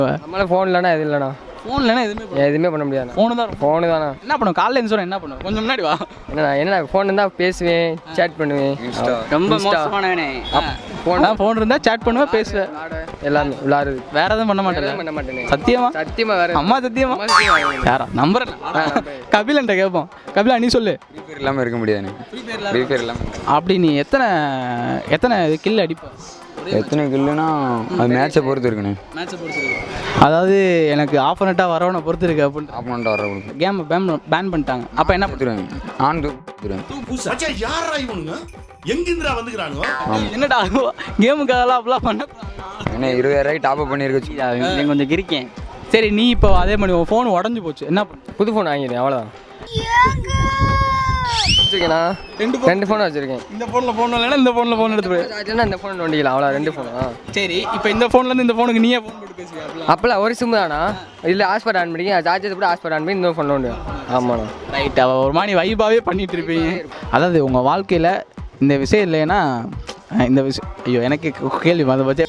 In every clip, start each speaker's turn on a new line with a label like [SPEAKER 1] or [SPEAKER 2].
[SPEAKER 1] நம்மளால ஃபோன் இல்லைனா எதுவும் இல்லைண்ணா.
[SPEAKER 2] ஃபோன் இல்லைனா
[SPEAKER 1] எதுவுமே பண்ண முடியாது.
[SPEAKER 2] ஃபோனு
[SPEAKER 1] தானே.
[SPEAKER 2] என்ன பண்ணுவோம் காலைல இருந்து சொன்ன என்ன பண்ணுவோம் கொஞ்சம் முன்னாடி வா.
[SPEAKER 1] என்ன ஃபோன் இருந்தால் பேசுவேன், சேட் பண்ணுவேன்.
[SPEAKER 2] ரொம்ப மோசமானவனே. ஃபோன் இருந்தால் சேட் பண்ணுவேன், பேசுவேன்,
[SPEAKER 1] எல்லாமே விளாடுறது.
[SPEAKER 2] வேற எதுவும் பண்ண மாட்டேன். சத்தியமா வேற அம்மா சத்தியமா யாரா நம்பர் கபிலன்ட்ட கேட்போம். கபிலா நீ சொல்லு.
[SPEAKER 3] ஃப்ரீ ஃபயர் இல்லாமல் இருக்க முடியாது. ஃப்ரீ ஃபயர் இல்லாமல்
[SPEAKER 2] அப்படி நீ எத்தனை கில் அடிப்ப?
[SPEAKER 3] எத்தனை கில்லுனா அது மேட்சை பொறுத்து இருக்குண்ணே.
[SPEAKER 2] அதாவது எனக்கு ஆப்போனண்ட்டாக வரவனை பொறுத்து இருக்கு அப்படின்னு.
[SPEAKER 3] ஆப்போனண்ட்டாக வர
[SPEAKER 2] கேம் பேன் பண்ணிட்டாங்க. அப்போ என்ன
[SPEAKER 3] கொடுத்துருவேன் நான் கொடுத்துருவேன்.
[SPEAKER 4] யாரா இவனுங்க எங்கிருந்துடா வந்துக்கிறானுங்க?
[SPEAKER 2] என்னடா கேமுக்காகலாம் அப்படிலாம் பண்ண
[SPEAKER 3] என்ன 20,000 டாப் அப் பண்ணியிருக்கேன்.
[SPEAKER 2] கொஞ்சம் கிரிக்கேன். சரி நீ இப்போ அதே மாதிரி உன் ஃபோன் உடஞ்சி போச்சு என்ன பண்ண?
[SPEAKER 1] புது ஃபோன் வாங்கிடுறேன் அவ்வளோதான். வச்சுருக்கேண்ணா. 2 ஃபோன் வச்சுருக்கேன்.
[SPEAKER 2] இந்த ஃபோனில் ஃபோன் இல்லைன்னா இந்த ஃபோனில் ஃபோன் எடுத்து போய்
[SPEAKER 1] இந்த ஃபோன் நோண்டிக்கலாம் அவ்வளோ. 2 ஃபோனா?
[SPEAKER 2] சரி இப்போ இந்த ஃபோன்லேருந்து இந்த ஃபோனுக்கு நீயே ஃபோன் போட்டு பேசுவியா?
[SPEAKER 1] அப்போல்லாம் ஒரு சிம்மு தானா? இல்லை ஹாஸ்பாட் ஆன் பண்ணி சார்ஜர் கூட ஹாஸ்பாட் ஆன் பண்ணி இந்த ஃபோன் நோண்டு. ஆமாண்ணா.
[SPEAKER 2] ரைட். அவள் ஒரு மாதிரி வைபாவே பண்ணிகிட்டு இருப்பீங்க. அதாவது உங்கள் வாழ்க்கையில் இந்த விஷயம் இல்லைன்னா இந்த விஷயம் ஐயோ எனக்கு கேள்வி அதை பற்றி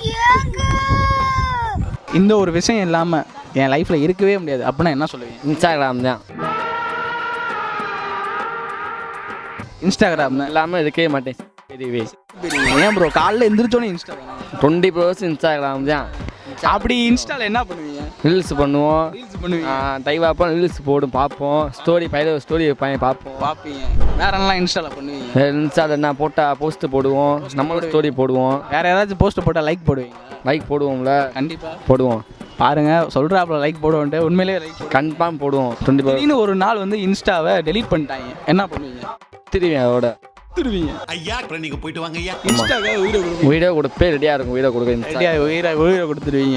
[SPEAKER 2] இந்த ஒரு விஷயம் இல்லாமல் என் லைஃப்பில் இருக்கவே முடியாது அப்படின்னா என்ன சொல்லுவீங்க?
[SPEAKER 1] இன்ஸ்டாகிராம் தான்.
[SPEAKER 2] இன்ஸ்டாகிராம்
[SPEAKER 1] இல்லாமல் இருக்கவே மாட்டேன். தெரியவே.
[SPEAKER 2] ஏன் ப்ரோ காலைல எந்திரிச்சோன்னே இன்ஸ்டாகிராம்
[SPEAKER 1] 20% இன்ஸ்டாகிராம் தான்.
[SPEAKER 2] அப்படி இன்ஸ்டாவில் என்ன பண்ணுவீங்க?
[SPEAKER 1] ரீல்ஸ் பண்ணுவோம்.
[SPEAKER 2] பண்ணுவீங்க?
[SPEAKER 1] தைவாப்போம், ரீல்ஸ் போடும் பார்ப்போம். ஸ்டோரி ஸ்டோரி பார்ப்போம்.
[SPEAKER 2] பார்ப்பீங்க. வேற எல்லாம் இன்ஸ்டாவில் பண்ணுவீங்க?
[SPEAKER 1] இன்ஸ்டாவில் என்ன போட்டால் போஸ்ட்டு போடுவோம், நம்மளோட ஸ்டோரி போடுவோம்.
[SPEAKER 2] வேற ஏதாச்சும் போஸ்ட்டு போட்டால் லைக் போடுவீங்க?
[SPEAKER 1] லைக் போடுவோம்ல.
[SPEAKER 2] கண்டிப்பாக
[SPEAKER 1] போடுவோம்.
[SPEAKER 2] பாருங்க சொல்கிறாப்புல லைக் போடுவோன்ட்டு உண்மையிலேயே லைக்
[SPEAKER 1] கன்ஃபார்ம் போடுவோம். 20%
[SPEAKER 2] ஒரு நாள் வந்து இன்ஸ்டாவை டெலீட் பண்ணிட்டாங்க என்ன பண்ணுவீங்க?
[SPEAKER 1] திருவேன் அதோட
[SPEAKER 2] திருவீங்க.
[SPEAKER 4] ஐயா நீங்க போயிட்டு வாங்க ஐயா.
[SPEAKER 2] இன்ஸ்டாவை
[SPEAKER 1] வீடியோ கொடுப்பே ரெடியாக இருக்கும். வீடியோ கொடுக்க
[SPEAKER 2] உயிரை கொடுத்துருவீங்க.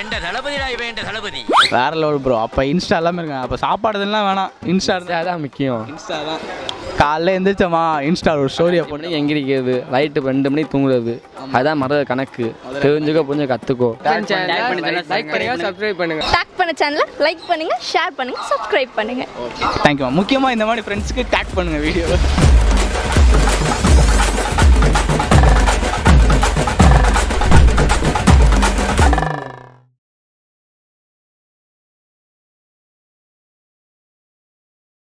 [SPEAKER 2] வேற லெவல் ப்ரோ. அப்போ இன்ஸ்டா எல்லாமே இருக்காங்க. அப்போ சாப்பாடுலாம் வேணாம், இன்ஸ்டா
[SPEAKER 1] தான் முக்கியம்.
[SPEAKER 2] இன்ஸ்டா தான். காலைல எந்திரிச்சோமா இன்ஸ்டா ஒரு ஸ்டோரியை போட்டு
[SPEAKER 1] எங்கிரிக்கிறது, ரைட்டு 2 மணிக்கு தூங்குறது, அதுதான் மರದ கணக்கு. தெரிஞ்சுக்கோ கொஞ்சம் கற்றுக்கோ. லைக் பண்ணுங்க, சப்ஸ்கிரைப் பண்ணுங்க.
[SPEAKER 5] டேக் பண்ண சேனலை லைக் பண்ணுங்க, ஷேர் பண்ணுங்க, சப்ஸ்கிரைப் பண்ணுங்க.
[SPEAKER 2] தேங்க்யூ. முக்கியமாக இந்த மாதிரி ஃப்ரெண்ட்ஸுக்கு டேக் பண்ணுங்க வீடியோவை.